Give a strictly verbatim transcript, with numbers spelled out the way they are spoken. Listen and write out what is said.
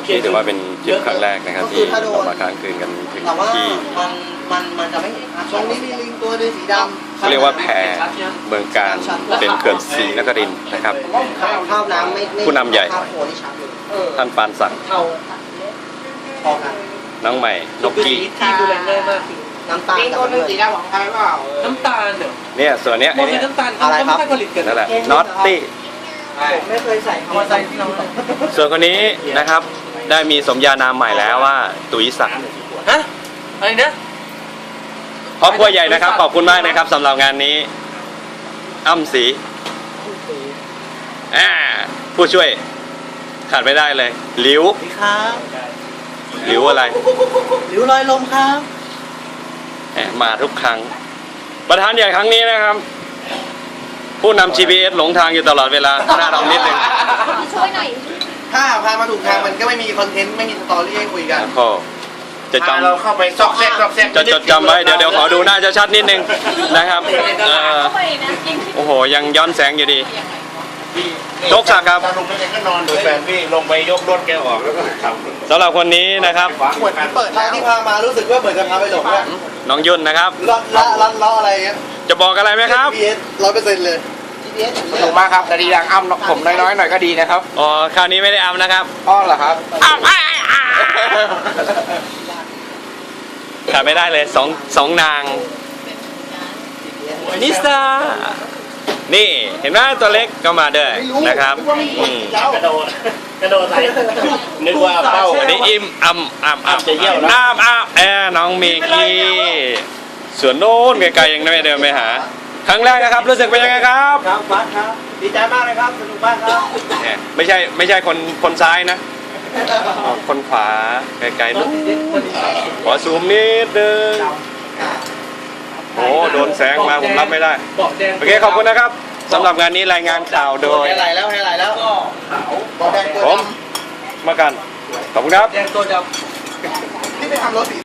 นี่ถือว่าเป็นทริปครั้งแรกนะครับที่เรามาค้างคืนกันถึงแต่ว่าที่มันมันมันจะไม่ตรงนี้มีลิงตัวนึงสีดำเขาเรียกว่าแพเมืองการเป็นเขื่อนศรีนครินทร์นะครับข้าวน้ำไม่ไม่ผู้นำใหญ่ข้าวโพนี่ชัดเลยเออท่านปานศักดิ์เท่าพอกันน้องใหม่นกกี้ที่ดูแลง่ายมากคือน้ำตาลลิงตัวนึงสีดำของใครเปล่าน้ำตาลเนี่ยเนี่ยส่วนเนี้ยมัไอ้นคืเนี่อย น้ำตาลเขาไม่ค่อยผลิตกันนั่นแหละน็อตตี้ผมไม่เคยใส่คำว่าใส่ที่เราส่วนคนนี้นะครับได้มีสมญานามใหม่แล้วว่าตุ๋ยศักดิ์ฮะอะไรนะครอบครัวใหญ่นะครับขอบคุณมากนะครับสำหรับงานนี้อ้ำศรีอ่าผู้ช่วยขาดไม่ได้เลยหลิวสวัสดีครับหลิวอะไรหลิวลอยลมครับแหมมาทุกครั้ง ประธานใหญ่ครั้งนี้นะครับ ผู้นำ จี พี เอส หลงทางอยู่ตลอดเวลาหน้าดำนิดนึงช่วยหน่อยถ้าพามาถูกทางมันก็ไม่มีคอนเทนต์ไม่มีสตอรี่ให้คุยกันก็จะจเราเข้าไปซอกแซกซอกแซกำจะจดจำไว้เดี๋ยวเดี๋ยวขอดูหน้าชัดๆนิดนึงนะครับเอ่อเข้าไปนะยิงโอ้โหยังย้อนแสงอยู่ดี โชคศักดิ์ครับตาลุงไม่ได้ก็นอนดูแฟนพี่ลงไปยกรถแกออกแล้วก็ขับสำหรับคนนี้นะครับเหมือนเปิดทางที่พามารู้สึกว่าเหมือนจะพาไปหลงอะน้องยุ่นนะครับลัดละลัดล้ออะไรเงี้ยจะบอกอะไรไหมครับจี พี เอส ร้อยเปอร์เซ็นต์เลย จี พี เอสสนุกมากครับแต่ดีอย่างอ้ำผมน้อยๆหน่อยก็ดีนะครับอ๋อคราวนี้ไม่ได้อำนะครับอ้อเหรอครับอ้ำอ้ายอ้ายขาดไม่ได้เลยสองสองนางนิสานี่เห็นไหมตัวเล็กก็มาด้วยนะครับอืมกระโดดกระโดดใส่นึกว่าเป้าอันนี้อิ่มอ่ำอ่ำอ่ำจะเยี่ยวนะน้ำอ่ำแอร์น้องเมกี้ส่วนโน้นไกลๆยังไม่เดินไปหา ครั้งแรกนะครับรู้สึกเป็นยังไงครับครับบัสครับ ดีใจมากเลยครับ สนุกมากครับเนี่ยไม่ใช่ไม่ใช่คนคนซ้ายนะอ๋อคนขวาไกลๆนู้นขอซูมนิดนึงโอ้โดนแสงมาผมรับไม่ได้เบาะแดงโอเคขอบคุณนะครับสำหรับงานนี้รายงานข่าวโดยให้ไหลแล้วให้ไหลแล้วบอกแดงตัวผมดมากันขอบคุณครับแดงตัวดำำที่ไปทำรถสี